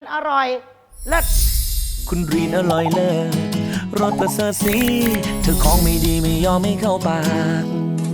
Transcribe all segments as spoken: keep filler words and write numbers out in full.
อร่อยเลิศคุณรีนอร่อยเลิศรสประเสริฐสีเธอของไม่ดีไม่ยอมไม่เข้าปาก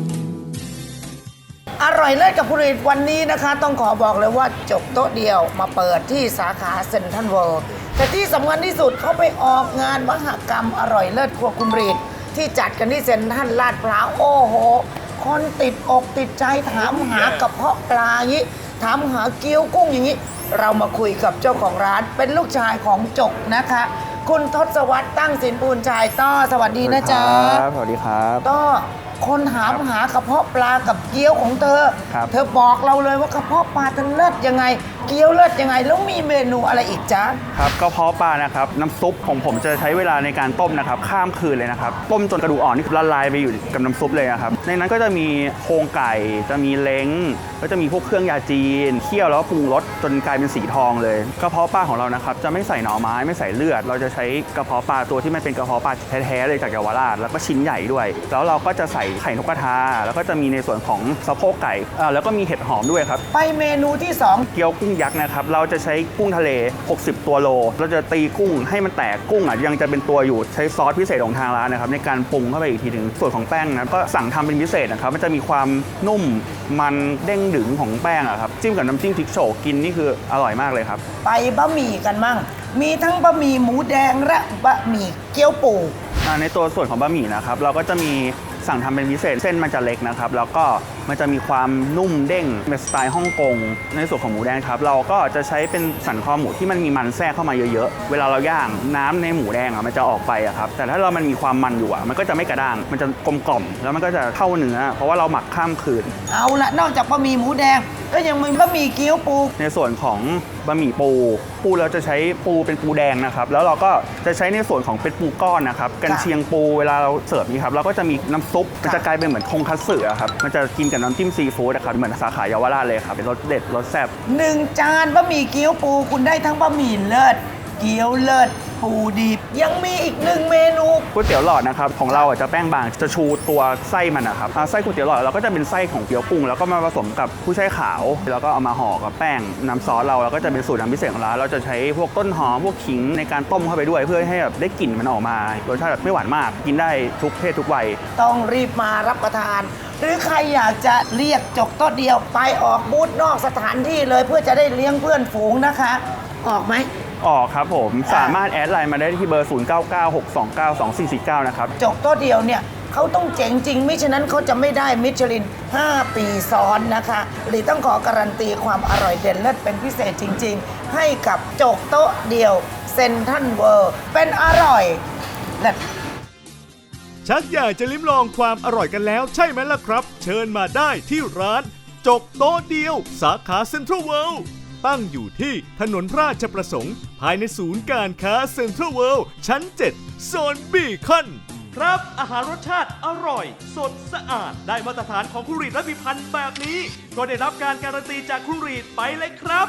อร่อยเลิศกับคุณรีนวันนี้นะคะต้องขอบอกเลยว่าจบโต๊ะเดียวมาเปิดที่สาขาเซ็นทรัลเวิลด์แต่ที่สำคัญที่สุดเขาไปออกงานมหกรรมอร่อยเลิศครัวคุณรีนที่จัดกันที่เซ็นทรัลลาดพร้าวโอ้โหคนติดอกติดใจถามหากระเพาะปลาอย่างนี้ถามหาเกี๊ยวกุ้งอย่างนี้เรามาคุยกับเจ้าของร้านเป็นลูกชายของจกนะคะคุณทศวรรษตั้งสินปูนชายต้อสวัสดีนะจ๊ะสวัสดีครับต้อคนถามหากระเพาะปลากับเกี๊ยวของเธอเธอบอกเราเลยว่ากระเพาะปลาเธอเลิศยังไงเกี๊ยวเลิศยังไงแล้วมีเมนูอะไรอีกจ๊ะครับกระเพาะปลานะครับน้ำซุปของผมจะใช้เวลาในการต้มนะครับข้ามคืนเลยนะครับต้มจนกระดูกอ่อนนี่ละลายไปอยู่กับน้ำซุปเลยนะครับในนั้นก็จะมีโครงไก่จะมีเล้งก็จะมีพวกเครื่องยาจีนเคี่ยวแล้วปรุงรสจนกลายเป็นสีทองเลยกระเพาะปลาของเรานะครับจะไม่ใส่หน่อไม้ไม่ใส่เลือดเราจะใช้กระเพาะปลาตัวที่มันเป็นกระเพาะปลาแท้ๆเลยจากเยาวราชแล้วก็ชิ้นใหญ่ด้วยแล้วเราก็จะใส่ไข่นกกระทาแล้วก็จะมีในส่วนของสะโพกไก่แล้วก็มีเห็ดหอมด้วยครับไปเมนูที่สองเกี๊ยวกุ้งยักษ์นะครับเราจะใช้กุ้งทะเลหกสิบตัวโลเราจะตีกุ้งให้มันแตกกุ้งอ่ะยังจะเป็นตัวอยู่ใช้ซอสพิเศษของทางร้านนะครับในการปรุงเข้าไปอีกทีถึงส่วนของแป้งนะก็สั่งทำเป็นพิเศษนะครับมันจะมีความนุ่มมันเด้งดึงของแป้งอะครับจิ้มกับน้ำจิ้มพริกโฉกกินนี่คืออร่อยมากเลยครับไปบะหมี่กันมั่งมีทั้งบะหมี่หมูแดงและบะหมี่เกี๊ยวปูในตัวส่วนของบะหมี่นะครับเราก็จะมีสั่งทำเป็นพิเศษเส้นมันจะเล็กนะครับแล้วก็มันจะมีความนุ่มเด้งเป็นสไตล์ฮ่องกงในส่วนของหมูแดงครับเราก็จะใช้เป็นสันคอหมูที่มันมีมันแทรกเข้ามาเยอะๆเวลาเราย่างน้ำในหมูแดงอ่ะมันจะออกไปอ่ะครับแต่ถ้าเรามันมีความมันอยู่อ่ะมันก็จะไม่กระด้างมันจะกลมกล่อมแล้วมันก็จะเข้าเนื้อเพราะว่าเราหมักข้ามคืนเอาละนอกจากบะหมี่หมูแดงก็ยังมีบะหมี่เกี๊ยวปูในส่วนของบะหมี่ปูปูเราจะใช้ปูเป็นปูแดงนะครับแล้วเราก็จะใช้ในส่วนของเป็นปูก้อนนะครับกันเชียงปูเวลาเราเสิร์ฟนี่ครับเราก็จะมีน้ำซุปมันจะกลายเป็นเหมือนทงคัตสึครับมันจะกินกับน้ำจิ้มซีฟู้ดนะครับเหมือนสาขาเยาวราชเลยครับเป็นรสเด็ดรสแซ่บหนึ่งจานบะหมี่เกี๊ยวปูคุณได้ทั้งบะหมี่เลิศเกี๊ยวเลิศปูดิบยังมีอีกหนึ่งเมนูก๋วยเตี๋ยวหลอดนะครับของเราจะแป้งบางจะชูตัวไส้มันนะครับไส้ก๋วยเตี๋ยวหลอดเราก็จะเป็นไส้ของเกี๊ยวกุ้งแล้วก็มาผสมกับผู้ใช้ขาวแล้วก็เอามาห่อกับแป้งน้ำซอสเราแล้วก็จะเป็นสูตรน้ำพิเศษของร้านเราจะใช้พวกต้นหอมพวกขิงในการต้มเข้าไปด้วยเพื่อให้แบบได้กลิ่นมันออกมารสชาติแบบไม่หวานมากกินได้ทุกเพศทุกวัยต้องรีบมารับประทานหรือใครอยากจะเรียกจกโต๊ะเดียวไปออกบูธนอกสถานที่เลยเพื่อจะได้เลี้ยงเพื่อนฝูงนะคะออกไหมออกครับผมสามารถแอดไลน์มาได้ที่เบอร์ศูนย์ เก้า เก้า หก สอง เก้า สอง สี่ สี่ เก้านะครับจกโต๊ะเดียวเนี่ยเขาต้องเจ๋งจริงมิฉะนั้นเขาจะไม่ได้มิชลินห้าปีซ้อนนะคะหรือต้องขอการันตีความอร่อยเด่นเลิศเป็นพิเศษจริงๆให้กับจกโต๊ะเดียวเซ็นทรัลเวิลด์เป็นอร่อยเลิศชักอยากจะลิ้มลองความอร่อยกันแล้วใช่ไหมล่ะครับเชิญมาได้ที่ร้านจกโต๊ะเดียวสาขาเซ็นทรัลเวิลด์ตั้งอยู่ที่ถนนราชประสงค์ภายในศูนย์การค้าเซ็นทรัลเวิลด์ชั้นเจ็ดโซนบีคอนครับอาหารรสชาติอร่อยสดสะอาดได้มาตรฐานของคุณรีดและพิพันธ์แบบนี้ก็ได้รับการการันตีจากคุณรีดไปเลยครับ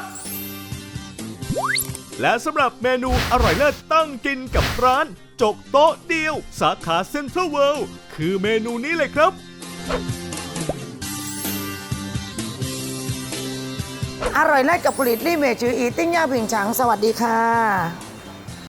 และสำหรับเมนูอร่อยเลิศตั้งกินกับร้านจกโต๊ะเดียวสาขาเซ็นทรัลเวิลด์คือเมนูนี้เลยครับอร่อยเลิศกับผลิตลี่เมจืออีติ้งย่าผิงฉังสวัสดีค่ะ